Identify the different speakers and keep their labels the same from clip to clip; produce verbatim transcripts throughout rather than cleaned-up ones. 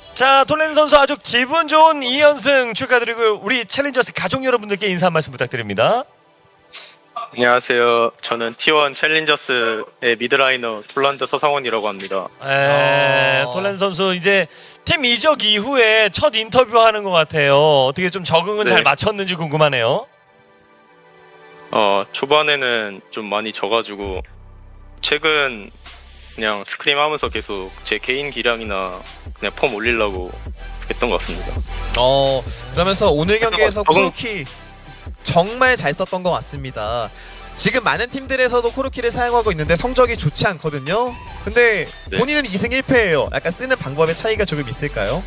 Speaker 1: 자, 톨렌 선수 아주 기분 좋은 이 연승 축하드리고 우리 챌린저스 가족 여러분들께 인사 한 말씀 부탁드립니다.
Speaker 2: 안녕하세요. 저는 티원 챌린저스의 미드라이너 톨란드 서상원이라고 합니다.
Speaker 1: 에,
Speaker 3: 어.
Speaker 1: 톨렌 선수 이제 팀 이적 이후에 첫 인터뷰하는 것 같아요. 어떻게 좀 적응은
Speaker 2: 네.
Speaker 1: 잘 마쳤는지 궁금하네요.
Speaker 2: 어, 초반에는 좀 많이 져가지고 최근 그냥 스크림 하면서 계속 제 개인 기량이나 그냥 폼 올리려고 했던 것 같습니다.
Speaker 3: 어 그러면서 오늘 경기에서
Speaker 2: 적응-
Speaker 3: 코르키 정말 잘 썼던 것 같습니다. 지금 많은 팀들에서도 코르키를 사용하고 있는데 성적이 좋지 않거든요. 근데
Speaker 2: 네.
Speaker 3: 본인은 이 승 일 패예요. 약간 쓰는 방법의 차이가 조금 있을까요?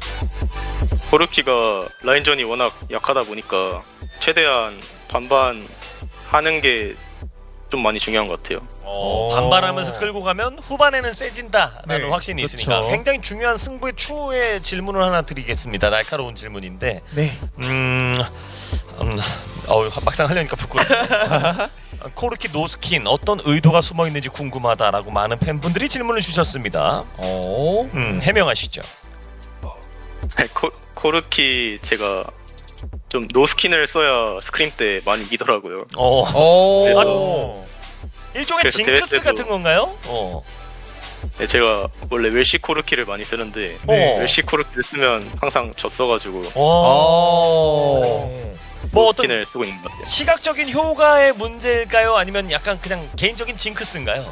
Speaker 2: 코르키가 라인전이 워낙 약하다 보니까 최대한 반반 하는 게 좀 많이 중요한 것 같아요.
Speaker 1: 어,
Speaker 3: 오.
Speaker 1: 반발하면서 끌고 가면 후반에는 세진다라는
Speaker 3: 네,
Speaker 1: 확신이
Speaker 3: 그렇죠.
Speaker 1: 있으니까 굉장히 중요한 승부의 추후의 질문을 하나 드리겠습니다. 날카로운 질문인데
Speaker 3: 네.
Speaker 1: 음, 음 어우, 막상 하려니까 부끄러워. 코르키 노스킨 어떤 의도가 숨어 있는지 궁금하다라고 많은 팬분들이 질문을 주셨습니다.
Speaker 3: 어.
Speaker 1: 음, 해명하시죠.
Speaker 2: 코, 코르키 제가 좀 노스킨을 써야 스크림 때 많이 이기더라고요.
Speaker 1: 어,
Speaker 3: 어.
Speaker 1: 일종의
Speaker 2: 그래서
Speaker 1: 징크스
Speaker 2: 대회 때도-
Speaker 1: 같은 건가요? 어.
Speaker 2: 네, 제가 원래 웰시 코르키를 많이 쓰는데
Speaker 1: 네.
Speaker 2: 웰시 코르키를 쓰면 항상 졌어가지고
Speaker 1: 어.
Speaker 3: 어.
Speaker 1: 뭐 어떤
Speaker 2: 노스킨을 쓰고 있는 것 같아요.
Speaker 1: 시각적인 효과의 문제일까요? 아니면 약간 그냥 개인적인 징크스인가요?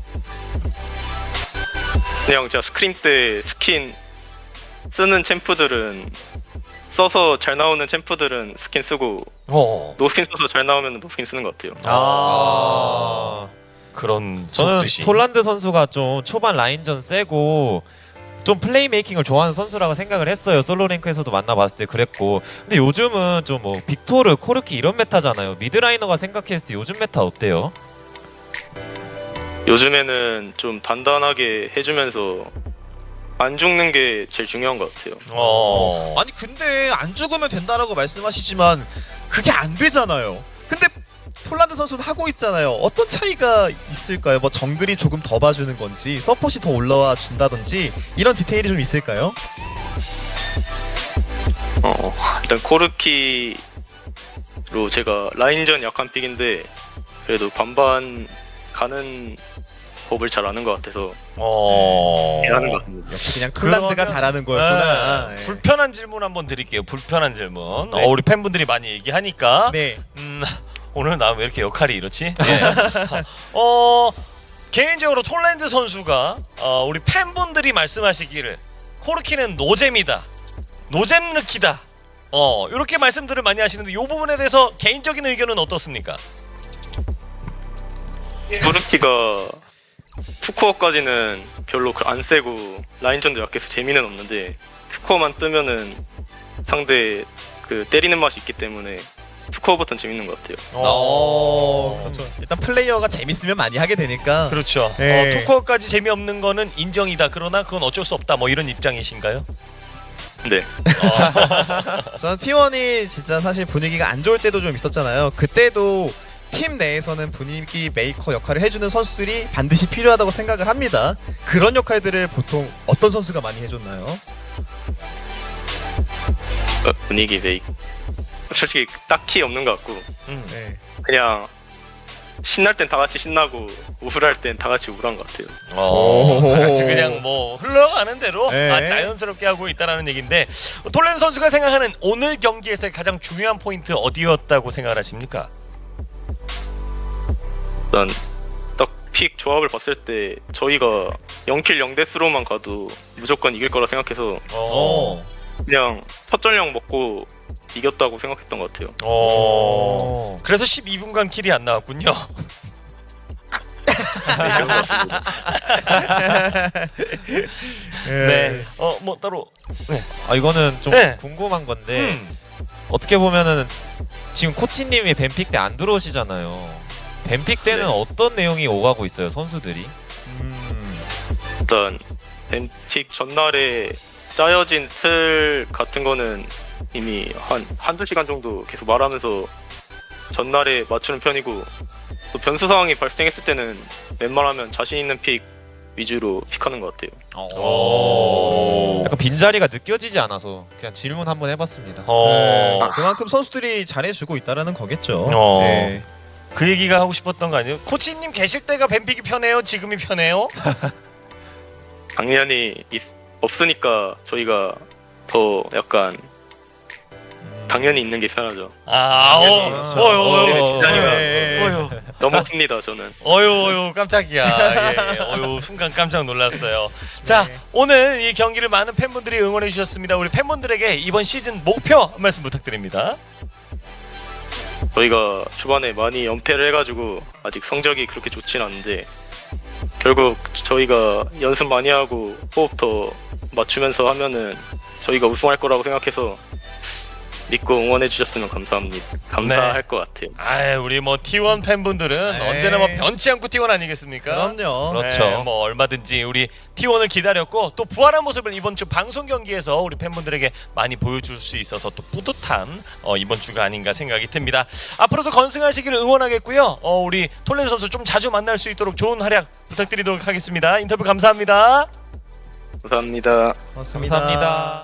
Speaker 2: 그냥 제가 스크림 때 스킨 쓰는 챔프들은 써서 잘 나오는 챔프들은 스킨 쓰고
Speaker 1: 어.
Speaker 2: 노스킨 써서 잘 나오면 노스킨 쓰는 것 같아요.
Speaker 3: 아.
Speaker 1: 그런
Speaker 4: 저는
Speaker 1: 속뜻이.
Speaker 4: 톨란드 선수가 좀 초반 라인전 세고 좀 플레이메이킹을 좋아하는 선수라고 생각을 했어요. 솔로 랭크에서도 만나봤을 때 그랬고. 근데 요즘은 좀 뭐 빅토르, 코르키 이런 메타잖아요. 미드라이너가 생각했을 때 요즘 메타 어때요?
Speaker 2: 요즘에는 좀 단단하게 해주면서 안 죽는 게 제일 중요한 것 같아요.
Speaker 1: 어.
Speaker 3: 아니 근데 안 죽으면 된다라고 말씀하시지만 그게 안 되잖아요. 근데 톨란드 선수는 하고 있잖아요. 어떤 차이가 있을까요? 뭐 정글이 조금 더 봐주는 건지 서폿이 더 올라와 준다든지 이런 디테일이 좀 있을까요?
Speaker 2: 어, 일단 코르키로 제가 라인전 약한 픽인데 그래도 반반 가는 법을 잘 아는 것 같아서
Speaker 1: 어.
Speaker 2: 잘하는 것 같습니다.
Speaker 3: 역시 그냥 톨란드가
Speaker 1: 그러면-
Speaker 3: 잘하는 거였구나.
Speaker 1: 네.
Speaker 3: 네.
Speaker 1: 불편한 질문 한번 드릴게요. 불편한 질문.
Speaker 2: 네.
Speaker 1: 어, 우리 팬분들이 많이 얘기하니까.
Speaker 3: 네.
Speaker 1: 음, 오늘 나 왜 이렇게 역할이 이렇지? 네. 어, 개인적으로 톨랜드 선수가 어, 우리 팬분들이 말씀하시기를 코르키는 노잼이다, 노잼 느키다. 어, 이렇게 말씀들을 많이 하시는데 이 부분에 대해서 개인적인 의견은 어떻습니까?
Speaker 2: 코르키가 투코어까지는 별로 안 세고 라인전도 약해서 재미는 없는데 투코어만 뜨면은 상대 그 때리는 맛이 있기 때문에 투코어부터는 재밌는 것 같아요.
Speaker 3: 어, 그렇죠. 일단 플레이어가 재밌으면 많이 하게 되니까.
Speaker 1: 그렇죠.
Speaker 3: 네.
Speaker 1: 어, 투코어까지 재미없는 거는 인정이다. 그러나 그건 어쩔 수 없다. 뭐 이런 입장이신가요?
Speaker 2: 네.
Speaker 3: 저는 티원이 진짜 사실 분위기가 안 좋을 때도 좀 있었잖아요. 그때도 팀 내에서는 분위기 메이커 역할을 해주는 선수들이 반드시 필요하다고 생각을 합니다. 그런 역할들을 보통 어떤 선수가 많이 해줬나요?
Speaker 2: 어, 분위기 메이 솔직히 딱히 없는 것 같고
Speaker 1: 음.
Speaker 3: 네.
Speaker 2: 그냥 신날 땐 다 같이 신나고 우울할 땐 다 같이 우울한 것 같아요.
Speaker 1: 어,
Speaker 3: 오.
Speaker 1: 다 같이 그냥 뭐 흘러가는 대로
Speaker 3: 네.
Speaker 1: 아, 자연스럽게 하고 있다라는 얘기인데 톨렌 선수가 생각하는 오늘 경기에서의 가장 중요한 포인트 어디였다고 생각을 하십니까?
Speaker 2: 일단 딱 픽 조합을 봤을 때 저희가 영 킬 영 데스로만 가도 무조건 이길 거라 생각해서
Speaker 3: 어.
Speaker 2: 그냥 첫 전령 먹고 이겼다고 생각했던 것 같아요.
Speaker 1: 어. 그래서 십이 분간 킬이 안 나왔군요. 네. 어, 뭐 따로
Speaker 4: 아 이거는 좀
Speaker 1: 네.
Speaker 4: 궁금한 건데
Speaker 1: 음.
Speaker 4: 어떻게 보면은 지금 코치님이 뱀픽 때 안 들어오시잖아요. 뱀픽 때는
Speaker 2: 네.
Speaker 4: 어떤 내용이 오가고 있어요, 선수들이?
Speaker 3: 음.
Speaker 2: 일단 벤틱 전날에 짜여진 틀 같은 거는 이미 한 한두 시간 정도 계속 말하면서 전날에 맞추는 편이고 또 변수 상황이 발생했을 때는 웬만하면 자신 있는 픽 위주로 픽하는 것 같아요.
Speaker 1: 오.
Speaker 4: 약간 빈자리가 느껴지지 않아서 그냥 질문 한번 해봤습니다.
Speaker 1: 어.
Speaker 3: 네, 그만큼 선수들이 잘해주고 있다라는 거겠죠.
Speaker 1: 어.
Speaker 3: 네.
Speaker 1: 그 얘기가 하고 싶었던 거 아니에요? 코치님 계실 때가 뱀픽이 편해요? 지금이 편해요?
Speaker 2: 당연히 있, 없으니까 저희가 더 약간 당연히 있는 게 편하죠.
Speaker 1: 아, 어,
Speaker 2: 당연히.
Speaker 1: 어유, 어유,
Speaker 2: 네, 진짜니까.
Speaker 3: 네.
Speaker 1: 어유,
Speaker 2: 너무 큽니다 저는.
Speaker 1: 어유, 어유, 깜짝이야. 예, 예. 어유, 순간 깜짝 놀랐어요. 자,
Speaker 3: 네.
Speaker 1: 오늘 이 경기를 많은 팬분들이 응원해 주셨습니다. 우리 팬분들에게 이번 시즌 목표 한 말씀 부탁드립니다.
Speaker 2: 저희가 초반에 많이 연패를 해가지고 아직 성적이 그렇게 좋진 않은데 결국 저희가 연습 많이 하고 호흡 더 맞추면서 하면은 저희가 우승할 거라고 생각해서 믿고 응원해 주셨으면 감사합니다. 감사할 것 같아요.
Speaker 1: 아, 우리 뭐 티원 팬분들은
Speaker 3: 네.
Speaker 1: 언제나 뭐 변치 않고 티원 아니겠습니까?
Speaker 3: 그럼요.
Speaker 4: 그렇죠.
Speaker 1: 네, 뭐 얼마든지 우리 티원을 기다렸고 또 부활한 모습을 이번 주 방송 경기에서 우리 팬분들에게 많이 보여줄 수 있어서 또 뿌듯한 어, 이번 주가 아닌가 생각이 듭니다. 앞으로도 건승하시기를 응원하겠고요. 어, 우리 톨렌드 선수 좀 자주 만날 수 있도록 좋은 활약 부탁드리도록 하겠습니다. 인터뷰 감사합니다.
Speaker 2: 감사합니다.
Speaker 3: 고맙습니다.
Speaker 4: 감사합니다.